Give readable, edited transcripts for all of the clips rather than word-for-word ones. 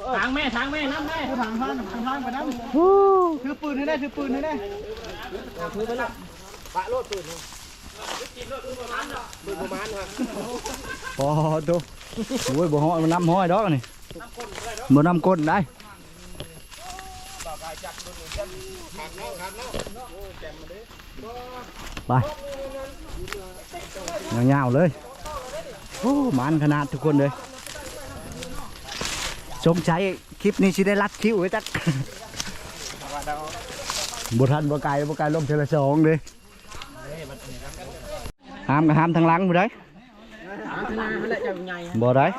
ทางแม่น้ำแม่ทางไปน้ำถือปืนให้ได้ถือปืนให้ได้ถือไปละปะโลดปืนปืนประมาณครับพอดูโอ้ยบ่ห้อยมันน้ำห้อยดอกนี่บ่น้ำก้นได้ไปเงาๆเลยโอ้มันขนาดทุกคนเลยสงสัยคลิปนี้สิได้รัดคิวไว้จักบ่ทันบ่ไกลล้มเทละสองเลยห้ามกับห้ามทางหลังบ่ได้บ่ได้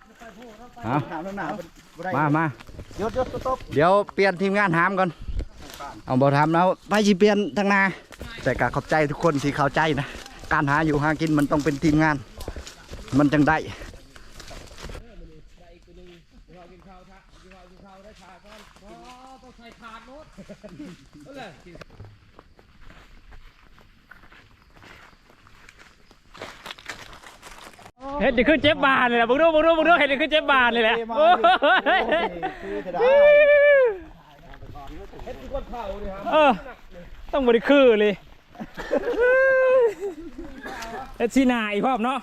มาเดี๋ยวเปลี่ยนทีมงานห้ามก่อนเอาบ่ทำแล้วไปสิเปลี่ยนทางหน้าแต่ก็ขอบใจทุกคนที่เข้าใจนะการหาอยู่หากินมันต้องเป็นทีมงานมันจังได้เห็ดจะขึ้นเจ็บบานเลยแหละบุกดูเห็ดจะขึ้นเจ็บบานเลยแหละต้องบริคือเลยเฮ็ดซีนาอีกพร้อมเนาะ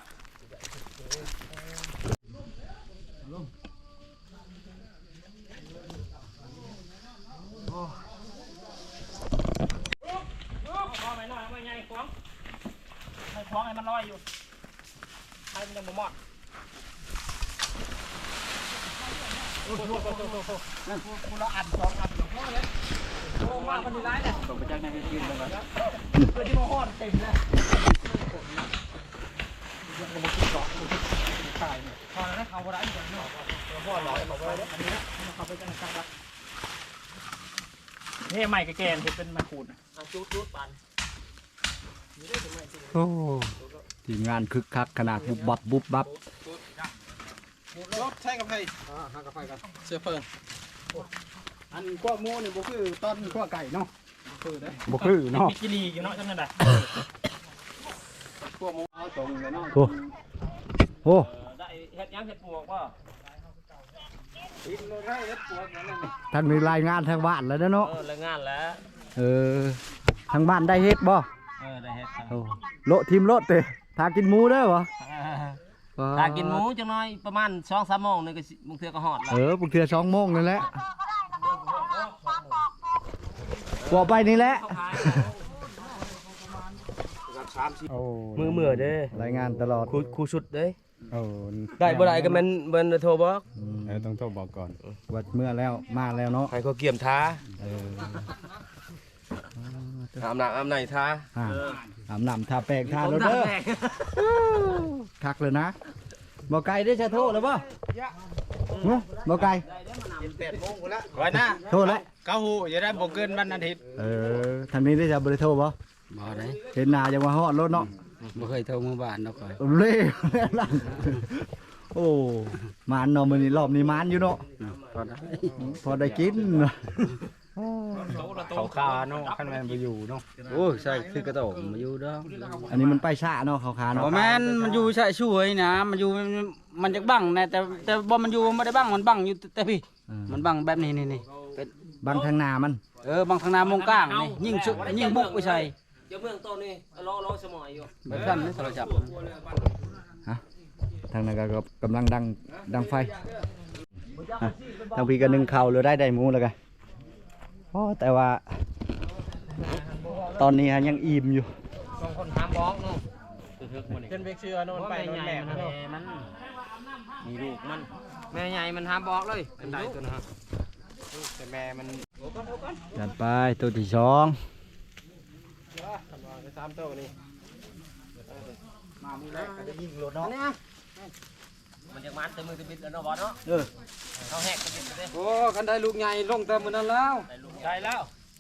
คล้องให้มันลอยอยู่ให้มันยังบ่หมดคุณเราอัด2 อันหลวงพ่อเลยโอ้มามันมีร้ายเนี่ยส่งไปจากในที่ยืนเลยครับเพื่อที่มาห่อเต็มเลยยังกระบอกเกาะตายเนี่ยพอแล้วเขาร้ายอย่างนี้ห่อหล่อเขาไปเลยอันนี้เขาไปจังกลางละนี่ใหม่กับแกนเป็นไม้ขูดจุดปันโอ้ทีมงานคึกคักขนาดบุบบับรถใช่กับใครหากับใครกันเสื้อเพิ่นอันกว่าโม่เนี่ยบ่คือตอนกว่าไก่เนาะบ่คือเนาะมีกิรีอยู่เนาะจังนั้นน่ะกว่าโม่เอาตรงเลยเนาะโอ้ได้เฮ็ดยังเฮ็ดปวกบ่ได้เฮ็ดปวกนั่นน่ะท่านมีรายงานทางบ้านแล้วเนาะรายงานแล้วทางบ้านได้เฮ็ดบ่ได้เฮ็ดโลทีมโลดเตะทากินหมูได้บ่ตากินหมูจังน้อยประมาณ 2-3 โมงนี่ก็บางเทื่อก็ฮอดแล้วบางเทื่อ2 โมงนั่นแหละกว่าไปนี่แหละมือเด้รายงานตลอดครูชุดเด้ได้บ่ได้ก็แม่นโทรบอกต้องโทรบอกก่อนวัดเมื่อแล้วมาแล้วเนาะให้เขาเกี่ยมท้าอาบน้ำท้าอาบน้ำทาแป้งทาแล้วเด้อคักเลยนะบ่ไก่ได้จะโทษแล้วบ่บ่ไก่ 8 โมงพุ่นละไว้นะโทษแล้ว 9 ฮู้อย่าได้บ่เกินวันอาทิตย์ทางนี้ได้จะบ่ได้โทษบ่ได้เห็นหน้าจังว่าฮอดรถเนาะบ่เคยโทรมาบ้านเนาะก่อยเล่นั่นโอ้มานเนาะมื้อนี้รอบนี้มานอยู่เนาะพอได้กินเขาคาเนาะคันแม่นบ่อยู่เนาะโอ้ใช่คือกระโตกมาอยู่เด้ออันนี้มันไปช้าเนาะเขาคาเนาะบ่แม่นมันอยู่ใช่ช่วยนะมันอยู่มันจะบังนะแต่บ่มันอยู่ไม่ได้บังมันบังอยู่แต่พี่มันบังแบบนี้เป็นบังทางหน้ามันบังทางหน้ามงกลางนี่ยิ่งบุกไปใส่เดี๋ยวเมืองต้นนี่รอสมอยอยู่แบบนั้นนี่โทรศัพท์ทางนั้นก็กำลังดังไฟทางพี่ก็นึ่งข้าวเลยได้หมูแล้วกันแต่ว่าตอนนี้ยังอิ่มอยู่ 2 คนหามบอกเนาะเป็นเบกเชื่อนอนไปนอนแม่มันมีลูกมันแม่ใหญ่มันหามบอกเลยเป็นได้ตัวนะฮะแต่แม่มันจัดไปตัวที่2 3 ตัวนี่มามือแรกก็จะยิงรถเนาะมันยังมันแต่มือจะบิดแล้วเนาะบอสเนาะเขาแหกจะบิดเลยโอ้กันได้ลูกใหญ่ลงแต่มื้อนั้นแล้วได้ลูกใหญ่แล้ว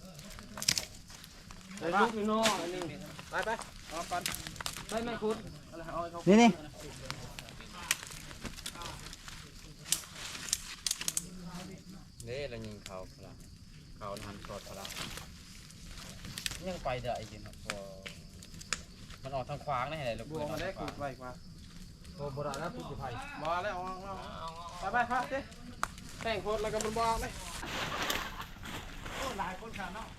ได้ลูกนี่เนาะไปออกก่อนไปไม่คุณนี่นี่เรายิงเขาหันสดเขายังไปได้จริงครับมันออกทางขวางได้ไหนลูกบัวมาได้ขุดไว้กว่าโอ้โบราณแล้วขุดอยู่ไผ่มาแล้วไปเต้แต่งโคตรแล้วก็มันบอกเลยหลายคนขาเนาะ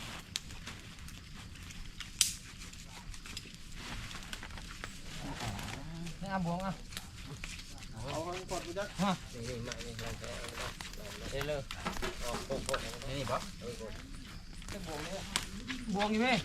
นี่อ่ะบวงอ่ะเอาข้างกดไปจ้ะนี่ใหม่นี่ลองไปเอาเลยออกโคตรนี่ปะบวงนี่พี่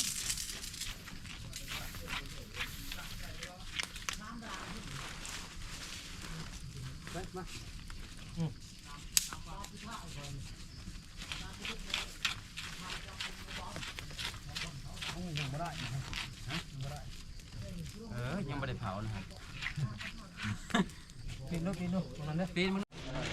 ยังไม่ได้เผานะครับปีนลูกมันเนี่ยปีนมัน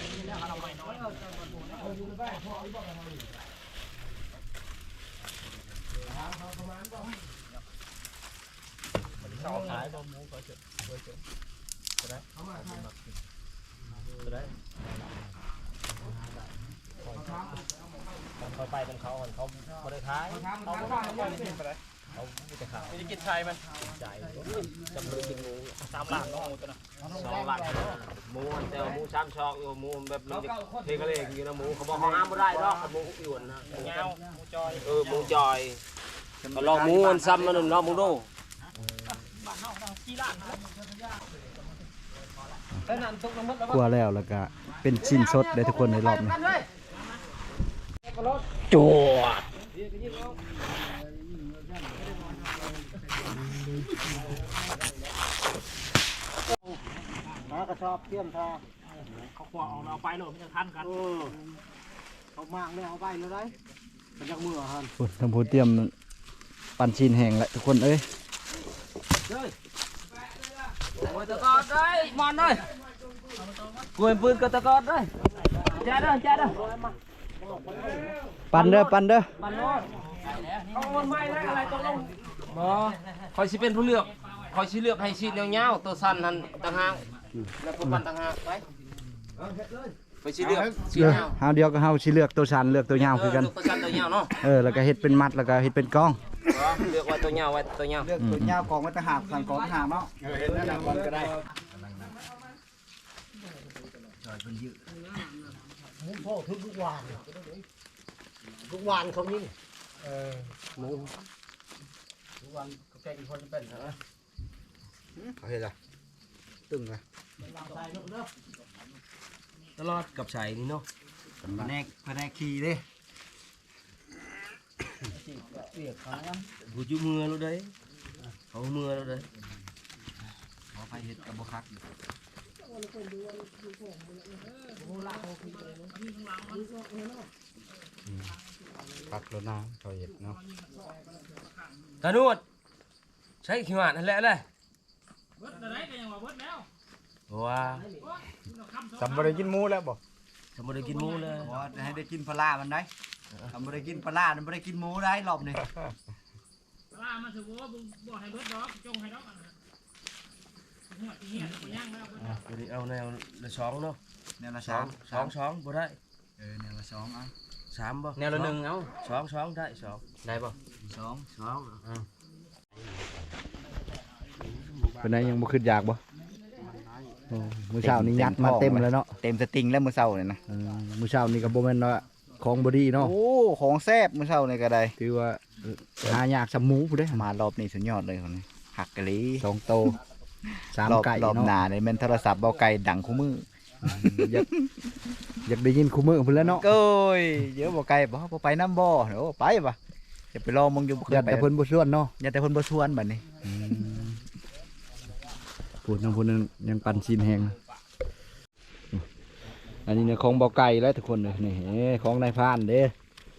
ขายบะหมูก็จะได้เขาไปเป็นเขาเขาไม่ได้ขายเขาไม่ได้กินไปเลยเขาไม่ได้ขายไม่ได้กินไทยมันใจจำเลยกินหมู3 ล้านน้องตัวน่ะ2 ล้านหมูแต่หมู3 ช่องอยู่หมูแบบมันจะเทกระเลงอยู่นะหมูเขาบอกเขาห้ามไม่ได้หรอกหมูหยวนนะเงาหมูจอยหมูจอยก็ลองหมูมันซ้ำมันลองหมูดูกลัวแล้วก็เป็นชิ้นสดได้ทุกคนในรอบนี้จวดมากระชอบเตี้ยมทาเขาขวางเอาไปเลยมันจะทันกันเขามากเลยเอาไปเลยได้มันจากมือฮันทำผู้เตรียมปั่นชิ้นแห้งแล้วทุกคนเอ้ยโอ้ยตะกอดได้มอนเลยกวนปืนกับตะกอดได้แจ๊ดเด้อปั่นเด้อมันโน้ตเอามันไม่ได้อะไรตัวลงบ่คอยสิเป็นผู้เลือกคอยสิเลือกให้ชิ้นยาวๆตัวสั้นนั่นต่างหากแล้วตัวปันต่างหากไปไปสิเลือกชิ้นยาวเฮาเดียวก็เฮาสิเลือกตัวสั้นเลือกตัวยาวคือกันเลือกตัวสั้นตัวยาวเนาะแล้วก็เฮ็ดเป็นมัดแล้วก็เฮ็ดเป็นกองเลือกไว้ตัวยาวไว้ตัวยาวเลือกตัวยาวกองไว้ต่างหากสั่งกองต่างหากเนาะเฮ็ดแล้วก่อนก็ได้พ่อทุกวันเขานี่หมูทุกวันเขาแกงคนจะเป็นเหรอเขาเฮ็ดล่ะตึงอ่ะตลอดกับใส่นี่เนาะแผนกขี่เด้ผู้จุมือแล้วเด้เขามือแล้วเด้ขอไปเฮ็ดกับบ่คักอยู่คักแล้วนะเขาเฮ็ดเนาะตาโนดใช้ขี้หวานนั่นแหละเลยว้าจำบ่ได้กินหมูแล้วบ่ทำไมได้กินหมูเลยบ่ให้ได้กินปลาร้ามันได้ทำบ่ได้กินปลาร้ามันบ่ได้กินหมูได้รอบนี้ล่ามันถือว่าบอกให้เบิดดอกจงให้ดอกอันนั้นหัวที่เหี้ยหัวย่างแล้ววันนี้เอาแนวละสองเนาะแนวละสองบ่ได้แนวละ2เอา 3บ่แนวละ1เอาสองได้สองได้ป่ะเป็นไงยังบ่ขึ้นอยากบ่มื้อเช้านี้ยัดมาเต็มแล้วเนาะเต็มสติงแล้วมื้อเช้านี่นะมื้อเช้านี้ก็บ่แม่นว่าของบ่ดีเนาะโอ้ของแซ่บมื้อเช้านี่ก็ได้ถือว่าหายากสำหมูผู้เด้มารอบนี้สุดยอดเลยคนนี้หักกะลี2โต3ไก่รอบหน้านี่แม่นโทรศัพท์เบาไก่ดังคู่มืออยากได้ยินคู่มือพุ่นแล้วเนาะโอ้ยเดี๋ยวเบาไก่บ่ไปน้ำบ่โอ้ไปบ่จะไปรอมึงอยู่อย่าแต่เพิ่นบ่ชวนเนาะอย่าแต่เพิ่นบ่ชวนบัดนี้พูดน้ำพูดนั้นยังปั่นชิ้นแห้งอันนี้เนี่ยของเบาไก่แล้วทุกคนเลยนี่ของนายพรานเด้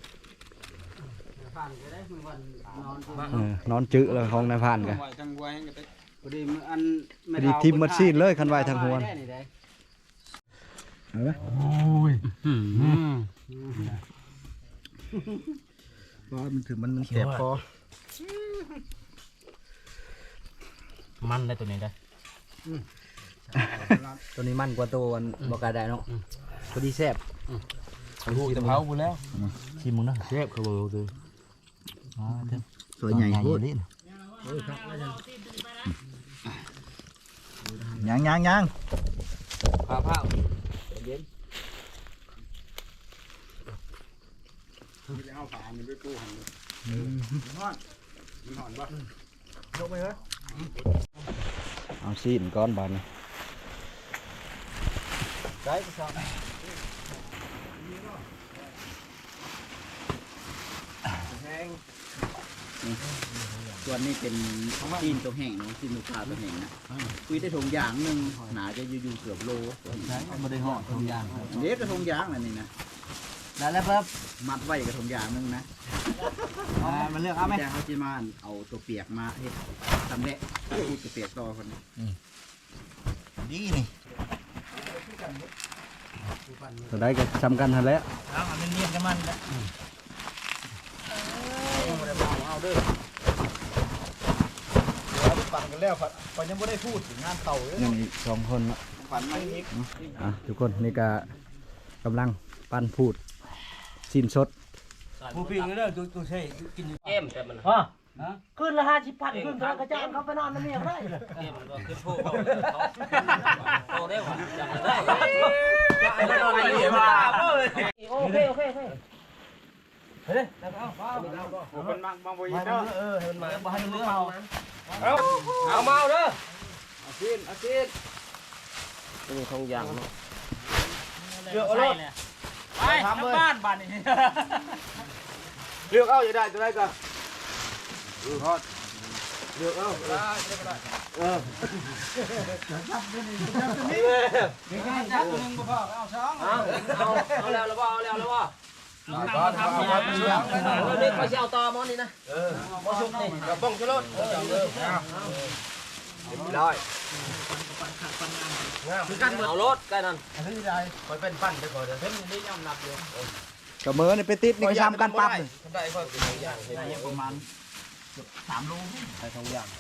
นอนจื้อเลยของนายพรานกันพอดีทีมมัดซีนเลยคันไว้ทางหัวโอ้ยว่ามันถือมันแสบคอมันได้ตัวนี้ได้ตัวนี้มันกว่าตัวเบาไก่ได้เนาะพอดีแซ่บหูจะเผาหมดแล้วชิมมึงนะเชฟเขาบอกเลยสวยใหญ่พูดยังผ้าเย็นเอาฝานี่ไปปูหันยกไปเฮ้ยเอาซีนก้อนบานนี่ได้ก็ชอบส่วนนี้เป็นซีนตัวแห้งเนาะซีนลูกค้าตัวแห้งนะคุยได้ถุงยางนึงหนาจะอยู่เกือบโลใช่ไม่ได้ห่อทงยางอันนี้กระทงยางอันนี้นะได้แล้วครับมัดไว้กระทงยางนึงนะมันเลือกเอาไหมแต่เขาจะมาเอาตัวเปียกมาเฮ็ดทำแดะพูดตัวเปียกต่อคนนี้ดีนี่ตัวได้ก็จำกันทันแล้วเอาเนียนกันมันแล้วเอาเด้อปั่นกันแล้วปั่นยังไม่ได้พูดถึงงานเต่าเลยยังอีก2 คนเนาะฝันไม่อีกทุกคนนี่ก็กำลังปั้นพูดสิ้นสดผู้พิงเด้อตัวใช่กินอยู่เกมแต่มันขึ้นละ50,000ขึ้นกระจายเขาไปนอนนั่นนี่ได้เลยเกมมันก็ขึ้นผู้เขาได้หว่าจำได้ไม่นอนไม่เห็นว่าโอเคเฮ้ยแล้วเอามันบางบ่อยเนาะให้มันมาบ้านเรื่องเอาเอาเมาเด้ออาซีนนี่ทองยางเนาะเลือกเอาเลยไปทำบ้านบ้านนี่เลือกเอาอย่าได้ตัวใดก็ทอดเลือกเอาเอาแล้วแล้วบ่เอาแล้วแล้วบ่ทำเนี่ยนี่เขาจะเอาต่อมอนี่นะมอชุบนี่กระป๋องชะโลดได้คือกันเอารถใกล้นั่นคอยเป็นปั้นไปก่อนเด้อเพิ่นนี่ย่อมนับอยู่กระเมือนี่ไปติดนี่ก็ทำกันปั๊บได้ค่อยเป็นอย่างประมาณ 3 โลใส่ทองยาง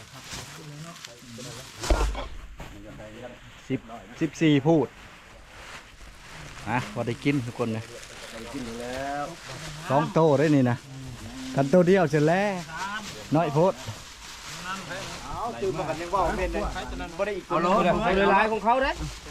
14 พูดพอได้กินทุกคนนะ2 โตได้นี่นะกันโตเดียวเสร็จแล้วน้อยโพดตื่นมากันยังว่าเป็นเลยบ่ได้อีกเอารถไปเลยลายของเขาเด้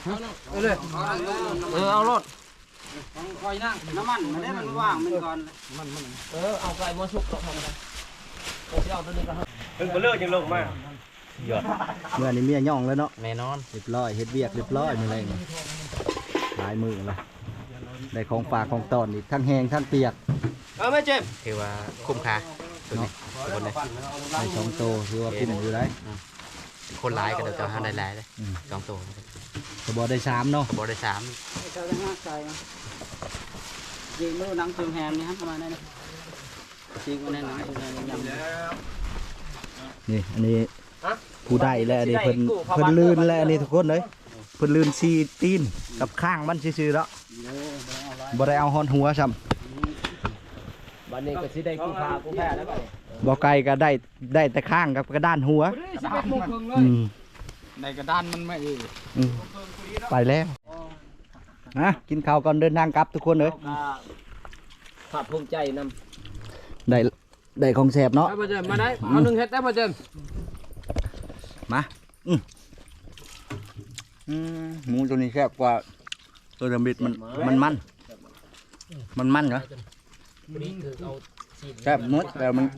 เอารถคอยนั่งน้ำมันมันได้มันว่างมันก่อนเอาไปมอชุบก็ทำกันโอ้ยเอาตัวนี้ก็เพิ่งบ่เลิกยังลงมาเมื่อนี้เมียย่องแล้วเนาะแน่นอนเรียบร้อยเฮ็ดเวียกเรียบร้อยนี่แหละนี่หลายมือละได้ของฝากของตอนอีกทั้งแห้งทั้งเปียกเอาไม่เจ็บถือว่าคุ้มค่าตัวนี้คนเลยได้2 โตคือว่าคุ้มอยู่ได้คนร้ายก็เดี๋ยวจะหาได้หลายเลย2 ตัวก็บ่ได้3เนาะบ่ได้3 เจ้าได้ห้าใจยิงมือหนังเชิงแฮมนี่ฮะประมาณนั้นนะจริงวันนั้นหนังเชิงแฮมยำนี่อันนี้ผู้ได้แล้วอันนี้เพิ่นลื่นแล้วอันนี้ทุกคนเลยเพิ่นลื่นซีตีนกับข้างมันซื่อๆแล้วบ่ได้เอาฮอนหัวซ้ำวันนี้ก็สิได้กู้พากู้แพ้แล้วบัดนี้บ่ไกลก็ได้แต่ข้างกับกระด้านหัว 11 โมงครึ่งเลยอืมในกระดานมันไม่อืมไปแล้วกินข้าวก่อนเดินทางกลับทุกคนเลยภาคภูมิใจนำได้ของแสบเนาะมาเจิมมาได้เอา1เฮ็ดได้มาเจิมมาหมูตัวนี้แซ่บกว่าตัวเดิมบิดมันเหรอวันนี้คือเอาซีนแซ่บหมดแต่มัน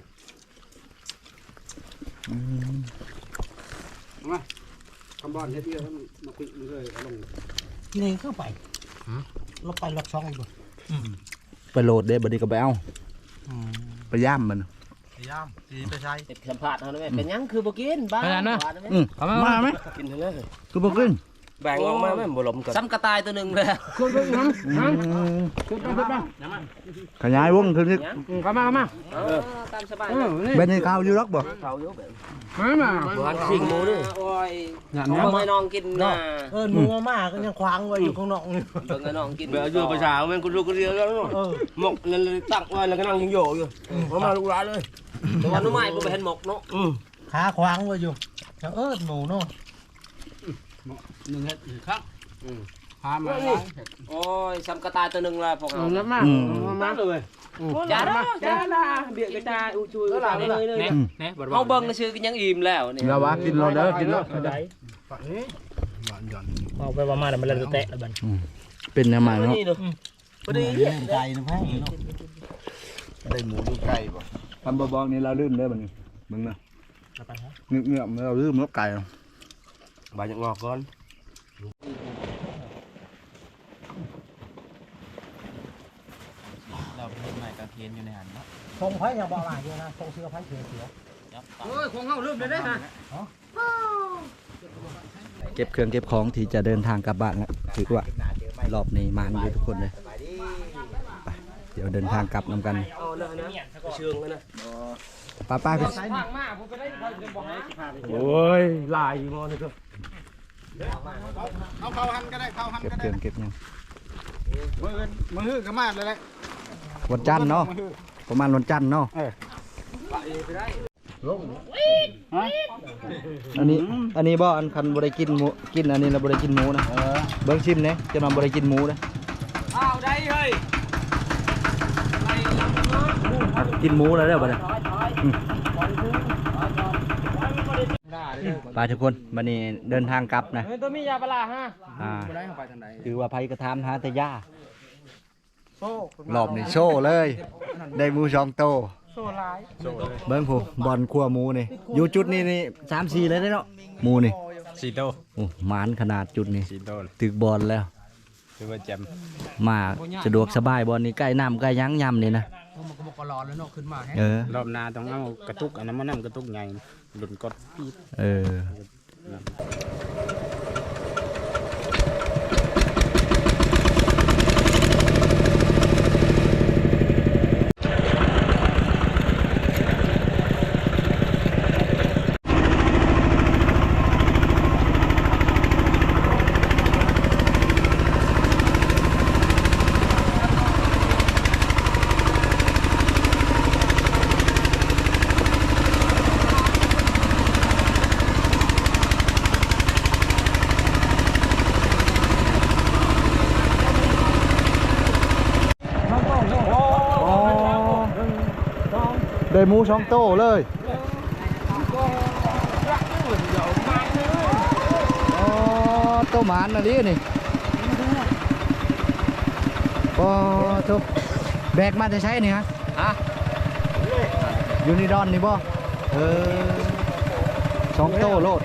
คำบอลเฮ็ดเยอะมาคุยมันเลยเอาลงนี่เข้าไปเราไปรถช่องอีกไปโหลดเด้บัดนี้ก็ไปเอาไปย่ามมันย่ามสีไปใช้เก็บสัมผัสเฮาด้วยเป็นหยังคือบ่กินบ้ามาไหมกินเลยคือบ่กินแบ่งออกมาแม่บ่ลมกันซ้ำกระต่ายตัวนึงเลยขยายวงคือนี่เข้ามาตามสบายเป็นให้ข้าวอยู่รักบ่เขาอยู่แบบมาบ่หันสิงหมูนี่โอ้ยเอาให้น้องกินน่ะหมูมากก็ยังควางไว้อยู่ข้างนอกนี่เบิ่งให้น้องกินเบลอยู่ประชาแม่งกูลูกกูเดียวแล้วหมกนั่นเลยตั้งไว้แล้วก็นั่งยิงโยอยู่มาลูกหลานเลยแต่ว่าน้องใหม่บ่ไปเห็นหมกเนาะขาควางไว้อยู่จะหมูเนาะ 1เฮ็ดครับพามาโอ้ยซ้ำกระต่ายตัวนึงละพวกเรามาเลยจ้าละเบียดกระจายช่วยกันเลยเฮาเบิ่งซื่อๆก็ยังอิ่มแล้วนี่แล้ววะกินเราเด้อกินแล้วเอาไปประมาณนั้นมันเลยแตะแล้วบัดเป็นยังไงเนาะนี่เนาะบ่ได้ใจนะพ่อได้หมูดูไก่บ่ทำบอกนี่เราลื่นเลยมันมึงนะเงียบๆเราลื่นนกไก่บาดจะงอกก่อนเราเพิ่มใหม่กระเทียนอยู่ในหันเนาะทรงไผ่ยังบอกหลายอยู่นะทรงเสือไผ่เสือเฮ้ยของเขาลืมเลยได้ฮะเก็บเครื่องเก็บของที่จะเดินทางกลับบ้านแล้วถือว่ารอบนี้มาอยู่ทุกคนเลยไปเดี๋ยวเดินทางกลับนำกันเอาเลยนะเชิงเลยนะป้าพี่ทางมากผมไปได้บอกให้โอ้ยลายงอนี่ก็เอาเข้าหันก็ได้เข้าหันเก็บก็เคได้รื่องเก็บยังมือก็มาเลยแหละวันจันทร์เนาะประมาณวันจันทร์เนาะอันนี้บ่อันคันบ่ได้กินหมูกินอันนี้เราบ่ได้กินหมูนะเบิ่งชิมเนี่ยจะนำบ่ได้กินหมูนะอ้าวได้เฮ้ยกินหมูแล้วเด้อบ่ได้ไปทุกคนวันนี้เดินทางกลับนะตัวมียาปลาฮะได้เข้าไปทางใดคือว่าไผกระทำหาแต่ย่าโซ่รอบนี้โซ่เลยได้หมูสองโตโซ่ลายเบิ้งผู้บอลขั้วหมูนี่อยู่จุดนี้นี่3-4เลยได้เนาะหมูนี่สีโตโอ้หมานขนาดจุดนี้สีโตตึกบอลแล้วคือว่าแจมมาสะดวกสบายบอลนี่ใกล้น้ำใกล้ยั้งยำนี่นะมันก็บอกรอแล้วเนาะขึ้นมาแฮะเออรอบหน้าต้องเอากระตุกอันนั้นมันนั่งกระตุกใหญ่หลุดกดปี๊ดเออได้หมูสองโตเลยอ๋อโตหมานน่ะดินี่อ๋อทุกแบกมาจะใช้นี่ฮะยูนิดอนนี่บ่สองโตโลด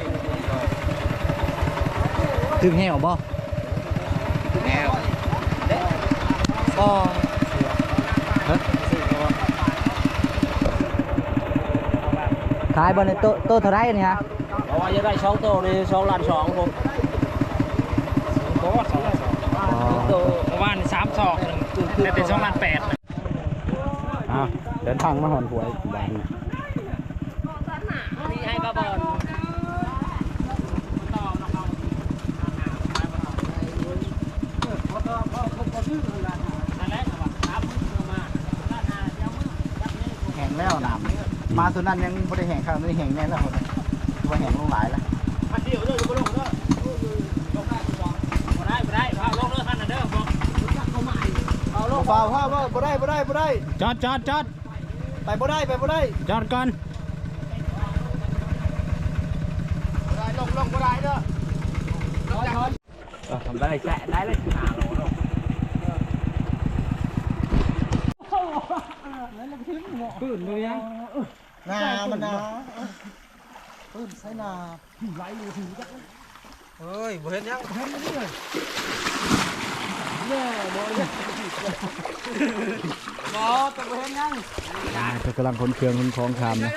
ถึงแหวบ่ถึงแหวก็ขายบอลในโตเท่าไรนี่ฮะเพราะว่าจะได้ช่องโตใน2 ล้าน 2ผมโต๊ะ2 ล้าน 2โตประมาณ3 ศอกแต่เป็น2 ล้าน 8 เดินทางมาหอนหวยบ้านนี่ให้กระบอกแห้งแล้วน้ำมาตัวนั้นยังไม่ได้แห้งข้าวไม่ได้แห้งแน่แล้วตัวแห้งลงหลายแล้วเดี๋ยวเด้อลงเด้อลงได้พาลงเด้อท่านน่ะเด้อบอกเอาลงเปล่าพ่อบ่ได้จอดไปบ่ได้จอดก่อนลงบ่ได้เด้อทำได้แกะได้เลยปืนเลยยังนามันนาปืนใช้นาเฮ้ยบ่เห็นยังก็กำลังขนเครื่องขนของทำนะ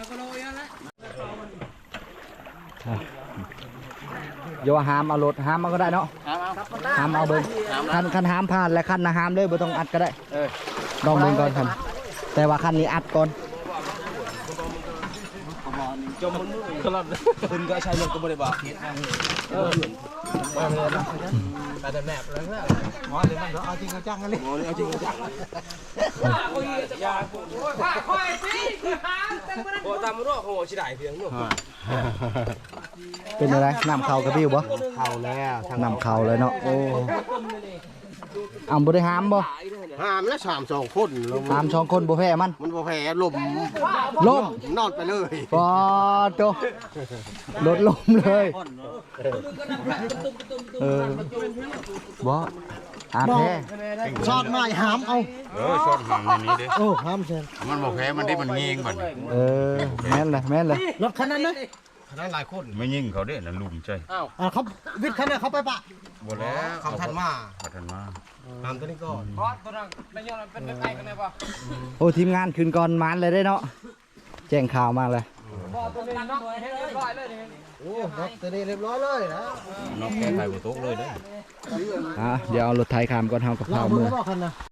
โยหามเอารถหามเอาก็ได้เนาะหามเอาเบิ้งคันหามผ่านและคันนะหามเลยบ่ต้องอัดก็ได้ลองเบิ้งก่อนคันแต่ว่าคันนี้อัดก่อนจมมือครับคุณก็ใช้รถก็บ่ได้บอกไปแต่แมพแล้วนะอ๋อเดี๋ยวมันเอาจริงเอาจังกันเลยเอาจริงเอาจังอย่าค่อยสิโอ้ตามรู้โหสิได้เพียงเนาะเป็นอะไรน้ำเข่ากระบิ้วบ่เข้าแล้วน้ำเข่าเลยเนาะโอ้บ่ได้หามบ่ห้ามแล้ว3-2คนแล้วหาม2คนบ่แพ้มันมันบ่แพ้ลมล้มนอนไปเลยปอโตรถล้มเลยบ่อาแพ้ชอดไม้หามเอาชอดหางในนี้เด้โอ้หามเช่นมันบอกแพ้มันได้มันยิงก่อนแม่นเลยรถคันนั้นนะไม่ยิงเขาเด้นั่นลุมใจเขาวิทย์คันนั้นเขาไปปะบ่แล้วเขาทันมาเขาทันมาตามตัวนี้ก่อนเพราะตัวนั้นไม่ยอมเป็นไก่กันเลยป่ะโอ้ทีมงานคืนก่อนมันเลยได้เนาะแจ้งข่าวมาเลยบ่ตัวนี้น็อกให้เรียบร้อยเลยนี่โอ้ครับตัวนี้เรียบร้อยเลยนะนอกแก้ไขบ่ตกเลยเด้เดี๋ยวเอารถไถขามก่อนเฮากับเราข้าวมืมืออบอกคันนะ